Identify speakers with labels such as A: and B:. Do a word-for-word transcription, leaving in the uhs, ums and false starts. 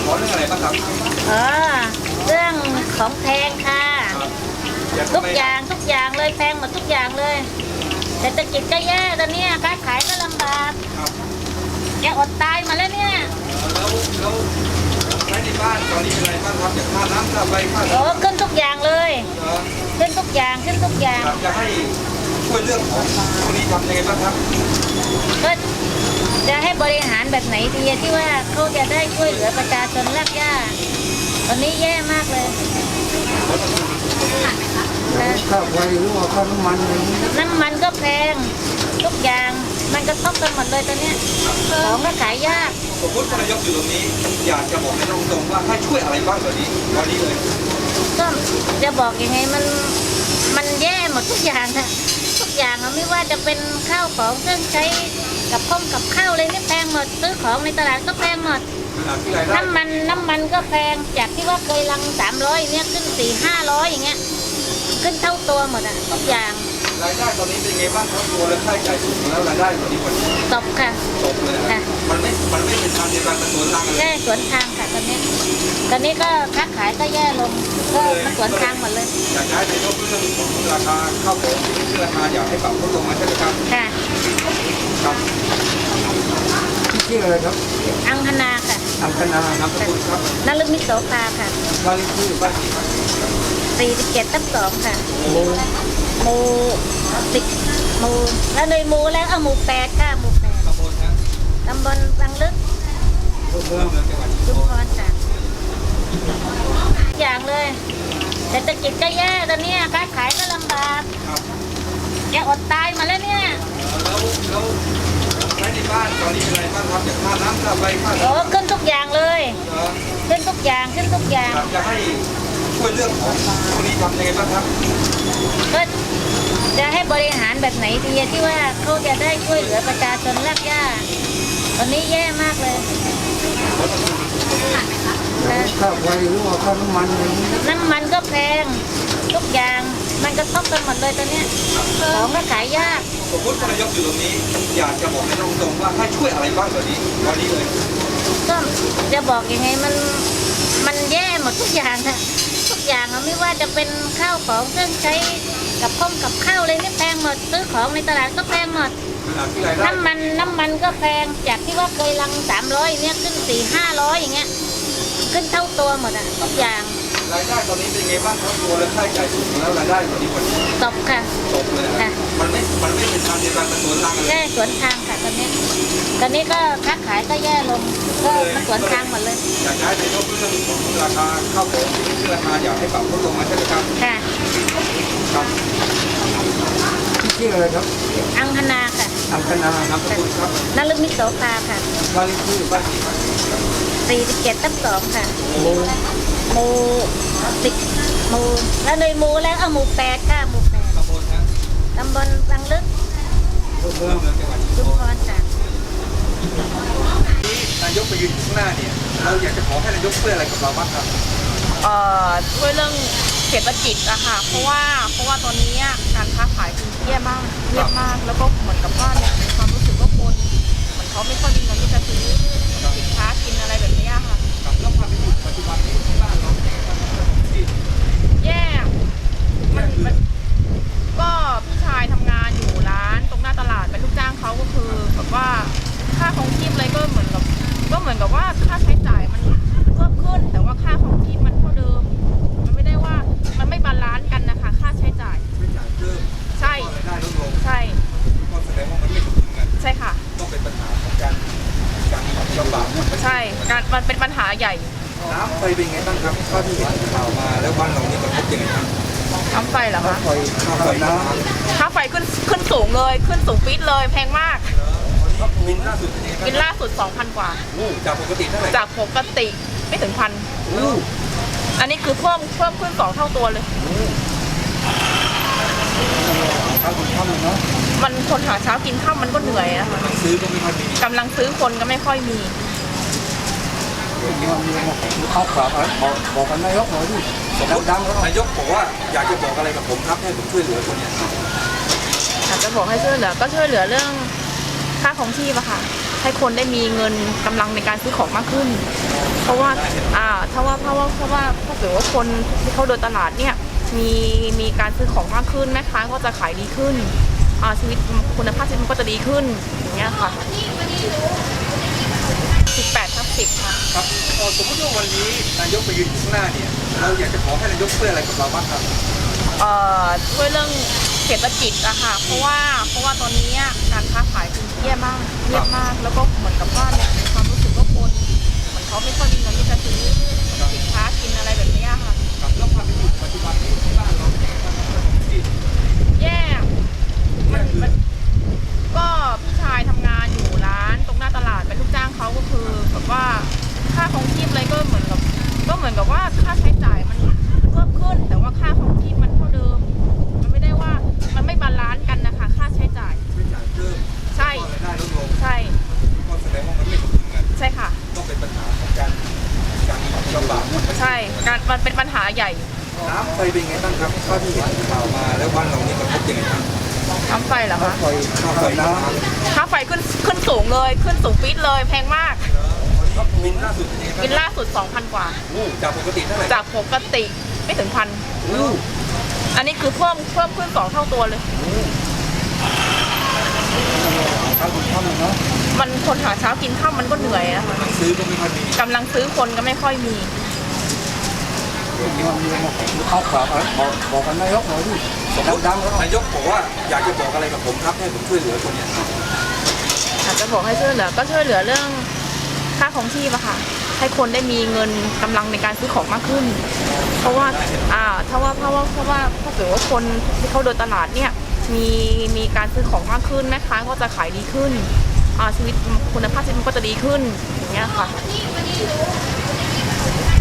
A: อเรื่องอะไรบ้างครับ
B: อ๋อเรื่องของแพงค่ะทุกอย่างทุกอย่างเลยแพงหมดทุกอย่างเลยเศรษฐกิจก็แย่ตอนนี้ค้าขายก็ลำบากแกอดตายมาแล้วเนี่ย
A: แล้วแล้วใช้ในบ้านตอนนี้เป็นอะไรบ้างครับอย่างค่าน้ำค่าไฟค่า
B: โอ้ขึ้นทุกอย่างเลยขึ้นทุกอย่างขึ้นทุกอย่าง
A: จะให้ช่วยเรื่องของตรงนี้ทำยังไงบ้างครับ
B: ก็จะให้บริหารแบบไหนดีที่ว่าเขาจะได้ช่วยเหลือประชาชนรากหญ้าตอนนี้แย่มากเลย
C: ค่าไฟหรือว่าค่าน้ำมันอะไรนี้
B: น้ำมันก็แพงทุกอย่างมันกระทบกันหมดเลยตอนนี้ของก็ขายยาก
A: สมมตินายกอยู่ตรงนี้อยากจะบอกในตรงๆว่าให้ช่วยอะไรบ้างตอนนี้ตอนนี้เลย
B: ก็จะบอกยังไงมันมันแย่หมดทุกอย่างอะทุกอย่างอะไม่ว่าจะเป็นข้าวของเครื่องใช้กับข้มกับข้าวเลยนี่แพงหมดซื้อของในตลาดก็แพงหมดน้ำมันน้ำมันก็แพงจากที่ว่าเคยลังสามร้อยเนี่ยขึ้นสี่ห้าร้อยอย่างเงี้ยขึ้นเท่าตัวหมดอะทุกอย่าง
A: รายได้ตอนนี้เป็นไงบ้างครับตัวและค่าใช้จ่ายสูงแล้วรายได้ตอนนี้มัน
B: ตกค่ะ
A: ตกเลยค่ะมันไม่มันไม่เป็นทางเดียวกันมันสวนทางกัน
B: ใช่สวนทางค่ะตอนนี้ตอนนี้ก็ค้าขายก็แย่ลงก็มันสวนทางหมดเลย
A: อยากให้ในยกเรื่องของราคาข้าวของที่ราคาอยากให้ปรับลดลงมาใช่ไหมครับ
B: ค่ะ
A: ครับ
C: ชื่ออะไรครับ
B: อังคณาค่ะ
C: อังคณา
A: ครับครับ
B: นฤมิตโสภาค่ะ
C: บ้านเลขที่บ้าน
B: สี่สิบเจ็ดทับสองค่ะหมู่หมู่สิบหมู่แล้วเลยหมู่แล้วเอาหมู่แปดค่ะหมู่แปดตำบลบางลึกชุมพรค่ะอย่างเลยเศรษฐกิจก็แย่ตอนนี้ค้าขายก็ลำบากแกอดตายมาแล้วเนี่ย
A: แล้วแล้วใช้ในบ้านตอนนี้เป็นอะไรบ้างครับอย่างค่าน้ำค่าไฟค่า
B: โอ้ขึ้นทุกอย่างเลยขึ้นทุกอย่างขึ้นทุกอย่าง
A: จะให้ช่วยเรื่องของตรงนี้ทำยังไงบ้างครับ
B: ก็จะให้บริหารแบบไหนดีที่ว่าเขาจะได้ช่วยเหลือประชาชนรากหญ้าตอนนี้แย่มากเลย
C: ค่าไฟหรือว่าค่าน้ำมันอะไรนี้
B: น้ำมันก็แพงทุกอย่างมันกระทบกันหมดเลยตอนนี้ของก็ขายยาก
A: สมมตินายกอยู่ตรงนี้อยากจะบอกในตรงๆว่าให้ช่วยอะไรบ้างตอนนี้ตอนนี้เลย
B: ก็จะบอกยังไงมันมันแย่หมดทุกอย่างอะทุกอย่างอะไม่ว่าจะเป็นข้าวของเครื่องใช้กับข้มกับข้าวเลยนี่แพงหมดซื้อของในตลาดก็แพงหมดน้ำมันน้ำมันก็แพงจากที่ว่าเคยลังสามร้อยเนี่ยขึ้นสี่ห้าร้อยอย่างเงี้ยขึ้นเท่าตัวหมดอะทุกอย่าง
A: รายได้ตอนนี้เป็นไงบ้างครับตัวและค่าใช้จ่ายสูงแล้วรายได้ตอนนี้มัน
B: ตกค่ะ
A: ตกเลยค่ะมันไม่มันไม่เป็นทางเดียวกันมันสวนทางกัน
B: ใช่สวนทางค่ะตอนนี้ตอนนี้ก็ค้าขายก็แย่ลงก็มันสวนทางหมดเลย
A: อยากให้ในยกเรื่องของราคาข้าวของที่ราคาอยากให้ปรับลดลงมาใช่ไหมครับ
B: ค่ะ
A: ครับ
C: ชื่ออะไรครับ
B: อังคณาค่ะ
C: อังคณา
A: ครับครับ
B: นฤมิตโสภาค่ะ
C: บ้านเลขที่บ้าน
B: สี่สิบเจ็ดทับสองค่ะ
C: หมู่
B: หมู่สิบหมู่แล้วเลยหมู่แล้วเอาหมู่แปดค่ะหมู่แปดตำบลบางลึกชุมพรค่ะ
A: นายกไปยืนข้างหน้าเนี่ยเราอยากจะขอให้นายกช่วยอะไรกับเราบ้างครับ
D: เอ่อช่วยเรื่องเศรษฐกิจอะค่ะเพราะว่าเพราะว่าตอนนี้การค้าขายคือแย่มากแย่มากแล้วก็เหมือนกับว่าเนี่ยในความรู้สึกว่าคนเหมือนเขาไม่ค่อยมีเงินที่จะซื้อสินค้ากินอะไรแบบนี้ค่ะ
A: แล้วความเป็นอยู่ปัจจุบันนี้ที่บ้านเราเป็นยังไงบ้าง
D: แย่มันมันก็พี่ชายทำงานอยู่ร้านตรงหน้าตลาดเป็นลูกจ้างเขาก็คือแบบว่าค่าครองชีพอะไรก็เหมือนกับก็เหมือนกับว่าค่าใช้จ่ายมันเพิ่มขึ้นแต่ว่าค่าครองชีพมันเท่าเดิมมันไม่ได้ว่ามันไม่บาลานซ์กันนะคะค่าใช้จ่าย
A: ใช้จ่ายเพิ่ม
D: ใช่
A: รายได้ลดลง
D: ใช่
A: ก็แสดงว่ามันไม่สมดุลกัน
D: ใช่ค่ะ
A: ต้องเป็นปัญหาของการการลำบาก
D: ใช่การมันเป็นปัญหาใหญ่
A: น้ำไฟเป็นไงบ้างครับข้าที่เห็นข่าวมาแล้วบ้านเราเนี่ยกระทบยังไงบ้าง
D: น้ำไฟเหรอคะ
A: ค่าไฟน้ำ
D: ค่าไฟขึ้นขึ้นสูงเลยขึ้นสูงปี๊ดเลยแพงมาก
A: บินล่าสุดเป็นยังไง
D: บินล่าสุด สองพัน กว่า
A: จากปกติเท่าไหร่
D: จากปกติไม่ถึงพันอันนี้คือเพิ่มเพิ่มขึ้นสองเท่าตัวเลยมันคนหาเช้ากินข้าวมันก็เหนื่อยนะคะ
A: ซื้อก็ไม่ค่อยมี
D: กำลังซื้อคนก็ไม่ค่อยมี
C: เอาฝากบอกบอกกันนายกหน่อยดิดังๆ
A: นายกบอกว่าอยากจะบอกอะไรกับผมครับให้ผมช่วยเหลือคนเนี้ย
D: อยากจะบอกให้ช่วยเหลือก็ช่วยเหลือเรื่องค่าของชีพอะค่ะให้คนได้มีเงินกำลังในการซื้อของมากขึ้น เพราะว่าอ่าถ้าว่าเพราะว่าเพราะว่าถ้าเกิดว่าคนที่เขาเดินตลาดเนี่ยมีมีการซื้อของมากขึ้นแม่ค้าก็จะขายดีขึ้นอ่าชีวิตคุณภาพชีวิตมันก็จะดีขึ้นอย่างเงี้ยค่ะสิบแปดทับสิบค่ะ
A: ครับเอ่อสมมติว่าวันนี้นายกไปยืนอยู่ข้างหน้าเนี่ยเราอยากจะขอให้นายกช่วยอะไรกับเราบ้างครับ
D: เอ่อช่วยเรื่องเศรษฐกิจอะค่ะเพราะว่าเพราะว่าตอนนี้การค้าขายคือแย่มากเงียบมากแล้วก็เหมือนกับว่าเนี่ยในความรู้สึกว่าคนเหมือนเขาไม่ค่อยมีเงินที่จะซื้อสินค้ากินอะไรแบบเนี้ยค่ะ
A: ครับแล้วความเป็นอยู่ปัจจุบันนี้ที่บ้านเราเป็นยังไงบ้างครับที่
D: แย่มันมันก็พี่ชายทำงานอยู่ร้านตรงหน้าตลาดเป็นลูกจ้างเขาก็คือแบบว่าค่าของชีพอะไรก็เหมือนกับก็เหมือนกับว่าค่าใช้จ่ายมันเพิ่มขึ้นแต่ว่าค่าของชีพมันเท่าเดิมมันไม่ได้ว่ามันไม่บาลานซ์กันนะคะค่าใช้จ่าย
A: ไม่จ่ายเพิ่ม
D: ใช่
A: ก็รายได้ลดลง
D: ใช่
A: ก็แสดงว่ามันไม่สมดุลกัน
D: ใช่ค่ะ
A: ก็เป็นปัญหาของการการลำบาก
D: ใช่การมันเป็นปัญหาใหญ่
A: น้ำไฟเป็นไงบ้างครับเท่าที่เห็นข่าวมาแล้วบ้านเรานี่กระทบยังไงบ้าง
D: น้ำไฟเหรอคะ
C: ไฟ
A: ค่าไฟน้ำ
D: ค่าไฟขึ้นขึ้นสูงเลยขึ้นสูงปี๊ดเลยแพงมาก
A: ก็บินล่าสุดเป็นยังไงบ้าง
D: กินล่าสุด สองพัน กว่า
A: อู้จากปกติเท่าไหร่
D: จากปกติไม่ถึงพัน
A: อู้
D: อันนี้คือเพิ่มเพิ่มขึ้นสองเท่าตัวเลย
C: ข้าวถุงข้าวเลยเนาะ
D: มันคนหาเช้ากินข้าวมันก็เหนื่อยนะคะ
A: ซื้อก็ไม่ค่อยมี
D: กำลังซื้อคนก็ไม่ค่อยมี
C: มีวันนี้มาเอาฝากบอกบอกกันนายกหน่อยดิ
A: สมมติ
C: ดังๆแล้ว
A: นายกบอกว่าอยากจะบอกอะไรกับผมครับให้ผมช่วยเหลือคนเนี่ย
D: อาจจะบอกให้ช่วยเหลือก็ช่วยเหลือเรื่องค่าของชีพอะค่ะ ให้คนได้มีเงินกำลังในการซื้อของมากขึ้น เพราะว่าอ่าถ้าว่าเพราะว่าเพราะว่าถ้าเกิดว่าคนที่เขาเดินตลาดเนี่ยมีมีการซื้อของมากขึ้นแม่ค้าก็จะขายดีขึ้นอ่าชีวิตคุณภาพชีวิตมันก็จะดีขึ้นอย่างเงี้ยค่ะ